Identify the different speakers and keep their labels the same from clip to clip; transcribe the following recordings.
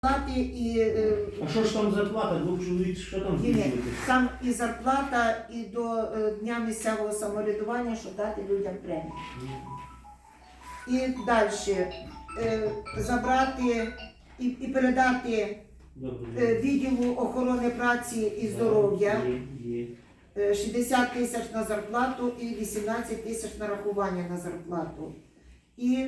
Speaker 1: Плати і
Speaker 2: А що ж там зарплата? Двох чоловік, що там збільшувати?
Speaker 1: сам і зарплата, і до Дня місцевого самоврядування, щоб дати людям премію. І далі забрати і передати відділу охорони праці і здоров'я 60 тисяч на зарплату і 18 тисяч на рахування на зарплату. І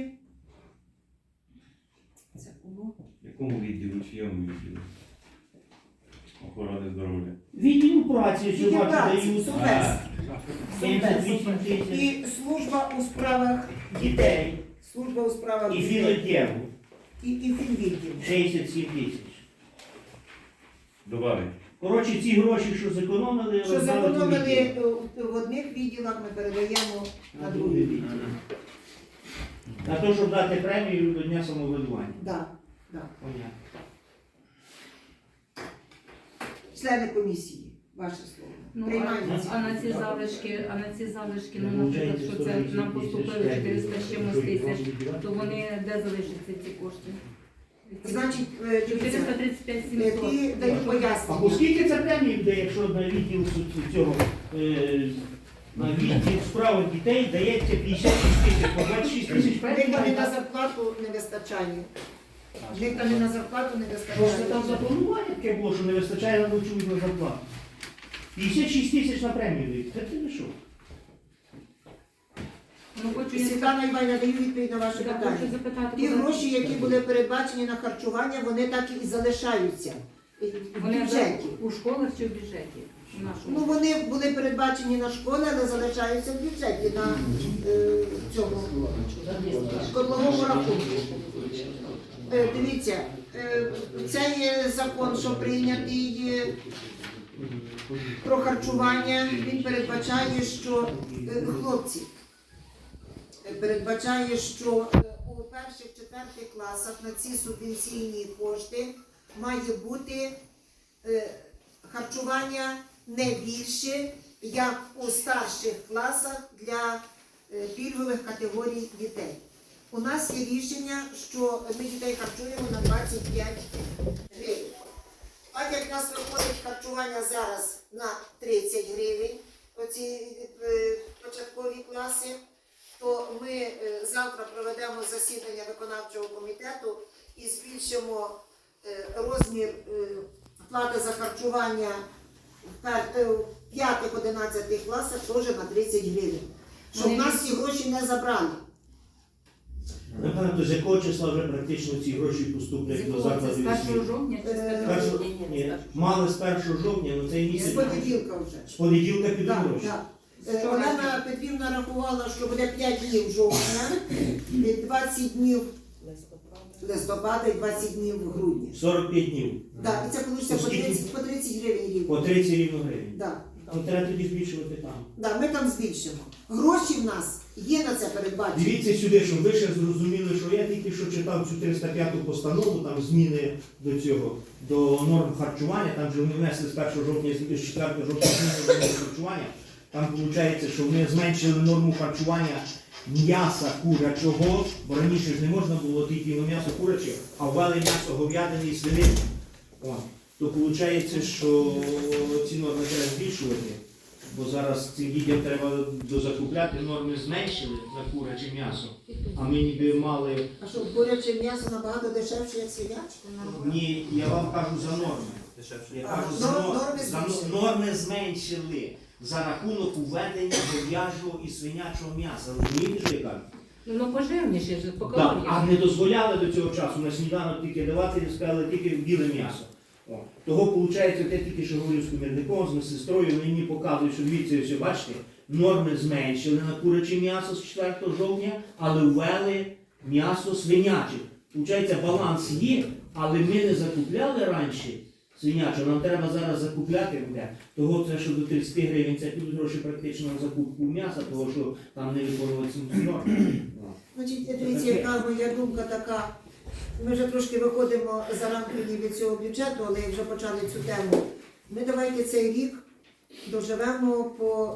Speaker 1: це кому?
Speaker 3: Якому відділу, чиєму відділу? Охорони здоров'я.
Speaker 2: Відділ праці, що
Speaker 1: Відділ
Speaker 2: бачу,
Speaker 1: праці,
Speaker 2: дають
Speaker 1: субвенція.
Speaker 2: 78 тисяч.
Speaker 1: І служба у справах
Speaker 2: Дітей.
Speaker 1: Служба у справах
Speaker 2: І
Speaker 1: дітей.
Speaker 2: філодєву.
Speaker 1: І фінвідділ.
Speaker 2: 67 тисяч.
Speaker 3: Добавить.
Speaker 2: Коротше, ці гроші, що зекономили,
Speaker 1: Що
Speaker 2: роздали по
Speaker 1: зекономили
Speaker 2: відділам.
Speaker 1: в одних відділах, ми передаємо на другий відділ.
Speaker 2: На те, щоб дати премію до Дня самоврядування.
Speaker 1: Да.
Speaker 2: Понятно.
Speaker 1: Члени комісії, ваше слово.
Speaker 4: Ну,
Speaker 1: Приймаємо.
Speaker 4: а на ці залишки, ну, наприклад, що це нам поступили 400 з чимось тисяч, то вони де залишаться ці кошти?
Speaker 1: Значить, дивіться,
Speaker 4: 435 700.
Speaker 1: ті дають
Speaker 2: А по
Speaker 1: пояснення.
Speaker 2: скільки це премії буде, якщо на відділ цього, на відділ справи дітей дається 56 тисяч, по 26 тисяч
Speaker 1: В них
Speaker 2: премії?
Speaker 1: вони на зарплату не вистачає. В них вони на зарплату не
Speaker 2: Просто там
Speaker 1: вистачає.
Speaker 2: запланування таке було, що не вистачає на ночую на зарплату. 56 тисяч на премію дають. Це ти не що?
Speaker 4: Ну, хочу я
Speaker 1: Світлана Іванівна, даю відповідь на ваше
Speaker 4: хочу
Speaker 1: питання.
Speaker 4: запитати,
Speaker 1: Ті
Speaker 4: коли-
Speaker 1: гроші, які були передбачені на харчування, вони так і залишаються в
Speaker 4: вони
Speaker 1: бюджеті.
Speaker 4: у школах чи в бюджеті? У нашому?
Speaker 1: Ну, вони були передбачені на школи, але залишаються в бюджеті на цьому котловому рахунку. Дивіться, цей закон, що прийнятий про харчування, він передбачає, що хлопці передбачає, що у перших-четвертих класах на ці субвенційні кошти має бути харчування не більше, як у старших класах для пільгових категорій дітей. У нас є рішення, що ми дітей харчуємо на 25 гривень. Так як в нас виходить харчування зараз на 30 гривень, оці початкові класи, то ми завтра проведемо засідання виконавчого комітету і збільшимо розмір плати за харчування в 5-11 класах теж на 30 гривень. Щоб нас ці гроші не забрали.
Speaker 2: Напевно, з якого числа вже практично ці гроші поступлять до
Speaker 4: Це
Speaker 2: закладів
Speaker 4: з 1
Speaker 2: освіти?
Speaker 4: жовтня чи з
Speaker 1: Першого-
Speaker 4: 1
Speaker 2: Ні, мали з 1 жовтня, але цей
Speaker 1: З
Speaker 2: місяць.
Speaker 1: понеділка вже.
Speaker 2: З понеділка підуть
Speaker 1: Так,
Speaker 2: гроші.
Speaker 1: так. Олена Петрівна рахувала, що буде 5 днів жовтня, і 20 днів листопада і 20 днів грудня.
Speaker 2: 45 днів.
Speaker 1: Так, і це вийде по 30 гривень рівно.
Speaker 2: По 30 рівно гривень.
Speaker 1: Да.
Speaker 2: Ну, треба тоді збільшувати там.
Speaker 1: Да, ми там збільшимо. Гроші в нас є на це передбачені.
Speaker 2: Дивіться сюди, щоб ви ще зрозуміли, що я тільки що читав цю 305-ту постанову, там зміни до цього, до норм харчування, там же вони внесли з 1 жовтня, з 4 жовтня зміни до норм харчування. Там виходить, що вони зменшили норму харчування м'яса курячого, бо раніше ж не можна було тільки на м'ясо куряче, а ввели м'ясо говядини і свинини. О, то виходить, що ці норми треба збільшувати, бо зараз цим дітям треба дозакупляти, норми зменшили на куряче м'ясо, а ми ніби мали...
Speaker 1: А що, куряче м'ясо набагато дешевше, як свиняче?
Speaker 2: Ні, я вам кажу за норми. Я кажу за
Speaker 1: Норми
Speaker 2: за норми зменшили за рахунок уведення говяжого і свинячого м'яса. Розумієте, що я кажу?
Speaker 4: Ну, пожирніше ж, по
Speaker 2: Так,
Speaker 4: калоріям.
Speaker 2: а не дозволяли до цього часу на сніданок тільки давати, і сказали тільки біле м'ясо. О, того, виходить, те тільки що говорив з комірником, з медсестрою, вони мені показують, що дивіться, все, бачите, норми зменшили на куряче м'ясо з 4 жовтня, але ввели м'ясо свиняче. Виходить, баланс є, але ми не закупляли раніше свиняче, нам треба зараз закупляти буде. Того це, що до 30 гривень, це підуть гроші практично на закупку м'яса, того, що там не виконуються норми.
Speaker 1: Значить, дивіться, яка моя думка така. Ми вже трошки виходимо за рамки від цього бюджету, але як вже почали цю тему, ми давайте цей рік доживемо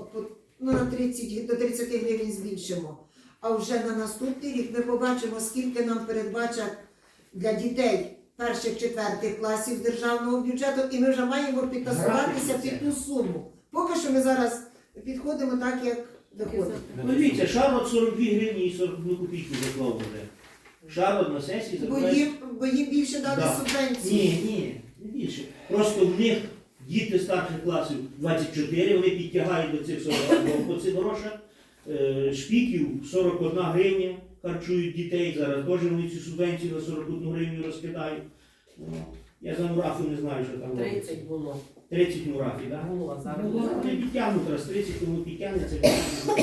Speaker 1: на 30, до 30 гривень збільшимо. А вже на наступний рік ми побачимо, скільки нам передбачать для дітей перших-четвертих класів з державного бюджету, і ми вже маємо підтасуватися під ту суму. Поки що ми зараз підходимо так, як доходимо.
Speaker 2: Ну, дивіться, Шарот 42 гривні і 41 копійку заклав вже. Шарот на сесії закладає.
Speaker 1: Бо їм більше дали
Speaker 2: Да.
Speaker 1: субвенції.
Speaker 2: Ні, не більше. Просто в них діти старших класів 24, вони підтягають до цих 42 по цих грошах. Шпіків 41 гривня харчують дітей, зараз теж вони цю субвенцію на 41 гривню розкидають. Ну, я за мурафу не знаю, що там робиться.
Speaker 5: 30 було.
Speaker 2: 30 мурафів, так?
Speaker 5: Було, зараз.
Speaker 2: Вони підтягнуть раз 30, тому підтягнеться більше.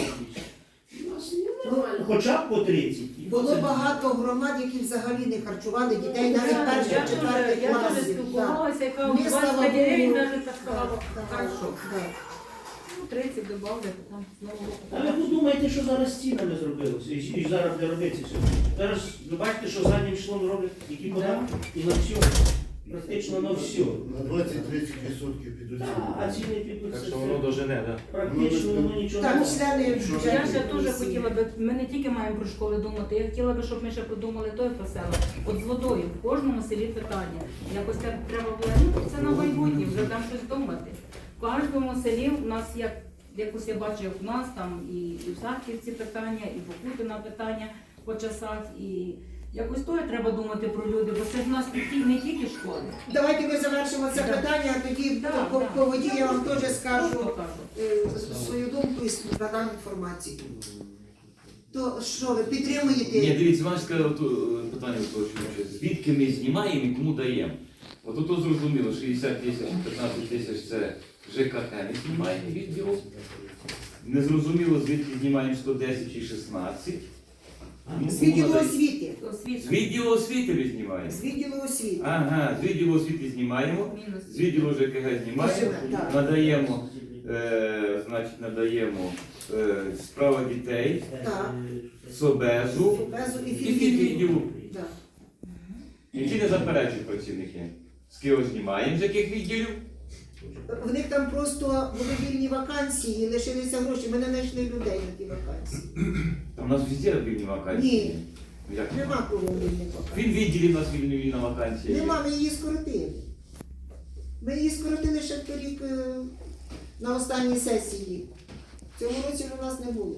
Speaker 2: У нас нормально, хоча б по 30. І
Speaker 1: Було
Speaker 2: це-
Speaker 1: багато громад, які взагалі не харчували дітей навіть
Speaker 4: Я
Speaker 1: перших, четвертих
Speaker 4: теж
Speaker 1: класів.
Speaker 4: спілкувалася, яка у
Speaker 1: Ми,
Speaker 4: 20
Speaker 1: слава
Speaker 4: гривень
Speaker 1: Богу,
Speaker 4: навіть так сказала. Хорошо.
Speaker 1: Да.
Speaker 4: Ну, 30 добавили, там знову.
Speaker 2: А ви подумайте, що зараз з цінами зробилося, і зараз буде робитися все. Зараз ви бачите, що заднім числом роблять які податки і на все. Практично на все.
Speaker 6: На 20-30% підуть.
Speaker 2: А ціни підуть.
Speaker 3: Так
Speaker 2: це
Speaker 3: що
Speaker 2: все.
Speaker 3: воно дожене, так?
Speaker 2: Практично воно нічого не
Speaker 1: Так,
Speaker 2: робить.
Speaker 1: члени
Speaker 4: Я
Speaker 1: бюджетної
Speaker 4: ще дуже
Speaker 1: комісії.
Speaker 4: хотіла би, ми не тільки маємо про школи думати, я хотіла би, щоб ми ще подумали той про село. От з водою, в кожному селі питання. Якось так треба було, ну це на майбутнє, вже там щось думати. В кожному селі у нас, якось я бачу, як в нас там і в Сахівці питання, і в Покутина питання по часах, і якось то треба думати про люди, бо це ж в нас не тільки школи.
Speaker 1: Давайте ми завершимо це
Speaker 4: Да.
Speaker 1: питання, а тоді
Speaker 4: Да,
Speaker 1: по
Speaker 4: да.
Speaker 1: по воді я вам теж скажу
Speaker 4: Просто кажу.
Speaker 1: свою думку і надам інформацію. То що, ви
Speaker 7: Ні,
Speaker 1: підтримуєте?
Speaker 7: дивіться, вона сказала питання уточнююче. Звідки ми знімаємо і кому даємо? От тут зрозуміло, 60 тисяч, 15 тисяч це ЖКХ ми знімаємо відділу. Незрозуміло, звідки знімаємо 110 і 16. Ну,
Speaker 1: З
Speaker 7: кому
Speaker 1: відділу
Speaker 7: надаємо?
Speaker 1: освіти.
Speaker 7: З відділу освіти ми знімаємо.
Speaker 1: З відділу освіти.
Speaker 7: Ага, з відділу освіти знімаємо,
Speaker 4: Мінус.
Speaker 7: з відділу ЖКГ знімаємо,
Speaker 1: Так.
Speaker 7: надаємо, значить, надаємо справа дітей,
Speaker 1: Так.
Speaker 7: СОБЕЗу
Speaker 1: Безу і
Speaker 7: і
Speaker 1: філії.
Speaker 7: відділу.
Speaker 1: Да.
Speaker 7: Які не заперечують працівники. З кого знімаємо, з яких відділів?
Speaker 1: В них там просто були вільні вакансії, лишилися гроші. Ми не знайшли людей на ті вакансії.
Speaker 7: Там у нас везде вільні вакансії.
Speaker 1: Ні.
Speaker 7: Ну, як
Speaker 1: Нема кого вільних вакансій.
Speaker 7: Він відділі в нас вільна вакансія.
Speaker 1: Нема, ми її скоротили. Ми її скоротили ще торік на останній сесії. В цьому році у нас не було.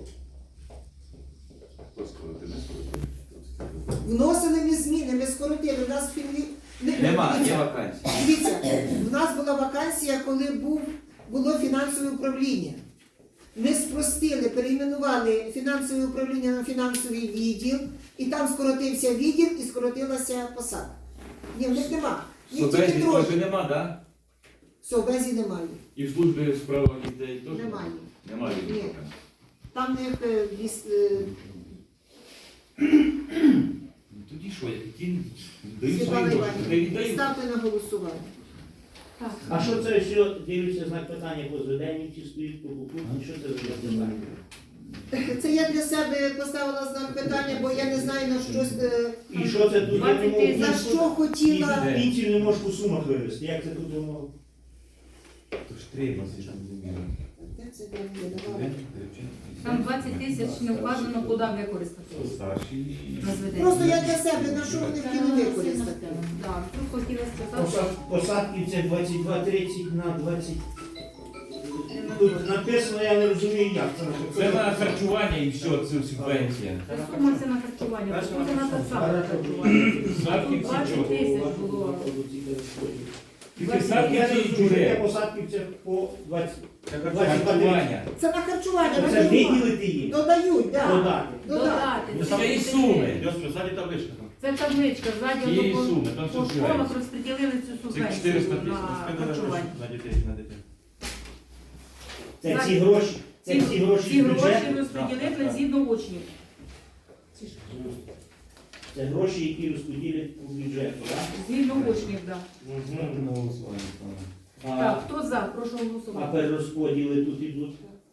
Speaker 7: Хто скоротив, не скоротив?
Speaker 1: Вносили ми зміни, ми скоротили. У нас
Speaker 7: Нема, є
Speaker 1: Дивіться,
Speaker 7: вакансії.
Speaker 1: Дивіться, в нас була вакансія, коли було фінансове управління. Ми спростили, перейменували фінансове управління на фінансовий відділ, і там скоротився відділ і скоротилася посада. Ні, в них нема. Їх
Speaker 7: Собезі
Speaker 1: тільки троє.
Speaker 7: теж нема, так?
Speaker 1: Совбезі немає.
Speaker 7: І в службі у справах дітей теж?
Speaker 1: Немає.
Speaker 7: Немає
Speaker 1: Ні.
Speaker 7: вільних.
Speaker 1: Там в них
Speaker 7: Ну, тоді що, ті дають
Speaker 1: Світлана
Speaker 7: свої гроші, не
Speaker 1: Іванівна,
Speaker 7: віддають?
Speaker 1: ставте на голосування.
Speaker 4: Так.
Speaker 2: А що це все, дивлюся знак питання по Зведенівці стоїть, по Кукурці, що це за питання?
Speaker 1: Це я для себе поставила знак питання, бо я не знаю на щось,
Speaker 2: І що це тут?
Speaker 4: 20
Speaker 2: Я думав,
Speaker 4: тисяч.
Speaker 1: на що хотіла.
Speaker 2: І пенсію не можеш по сумах вивезти. Як це тут воно?
Speaker 3: То ж треба, зрозуміло.
Speaker 1: Де це де я давала?
Speaker 4: Там 20 тисяч не вказано, куди використати.
Speaker 3: Старші і...
Speaker 4: На зведення.
Speaker 1: Просто я для себе, на що вони хотіли використати.
Speaker 4: Так, тут хотіла сказати,
Speaker 2: Посадки це 22-30 на 20. Тут написано, я не розумію як.
Speaker 7: Це на харчування і все, це субвенція.
Speaker 4: це сума це на харчування, це на так само харчування.
Speaker 7: Садки
Speaker 4: Тут 20
Speaker 7: всі чого?
Speaker 4: тисяч було.
Speaker 7: Тільки садки
Speaker 2: Я не
Speaker 7: ці
Speaker 2: розумію, що
Speaker 7: джури.
Speaker 2: посадки це по 20.
Speaker 7: Це харчування.
Speaker 1: Це на харчування,
Speaker 2: Це
Speaker 1: додають.
Speaker 2: виділити їм.
Speaker 1: Додають, так.
Speaker 2: Додати.
Speaker 1: Додати.
Speaker 7: Це і суми.
Speaker 4: Це табличка, ззаді
Speaker 7: Є і
Speaker 4: по
Speaker 7: суми, там
Speaker 4: по
Speaker 7: все
Speaker 4: школах
Speaker 7: збирається.
Speaker 4: розподілили цю
Speaker 7: Це
Speaker 4: субвенцію
Speaker 7: 400
Speaker 4: на харчування.
Speaker 3: На дітей, на дітей.
Speaker 2: Це ці гроші. Це ці гроші
Speaker 4: Ці
Speaker 2: з
Speaker 4: гроші
Speaker 2: бюджету.
Speaker 4: розподілили згідно учнів.
Speaker 2: Це гроші, які розподілять по бюджету. так?
Speaker 4: Згідно учнів, так.
Speaker 3: Ставте на голосування.
Speaker 4: Так, хто за? Прошу
Speaker 2: А
Speaker 4: голосувати.
Speaker 2: перерозподіли тут ідуть.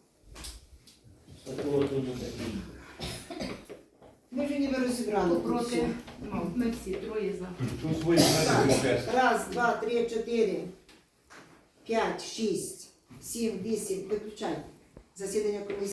Speaker 2: З такого то не такі.
Speaker 1: Ми вже ніби розібрали.
Speaker 4: Хто
Speaker 1: тут
Speaker 4: проти?
Speaker 1: все.
Speaker 4: Ну, ми всі, троє за.
Speaker 7: Що свої знаєте,
Speaker 1: Раз, два, три, 4, 5, 6, 7, 8. Виключай. Засідання комісії.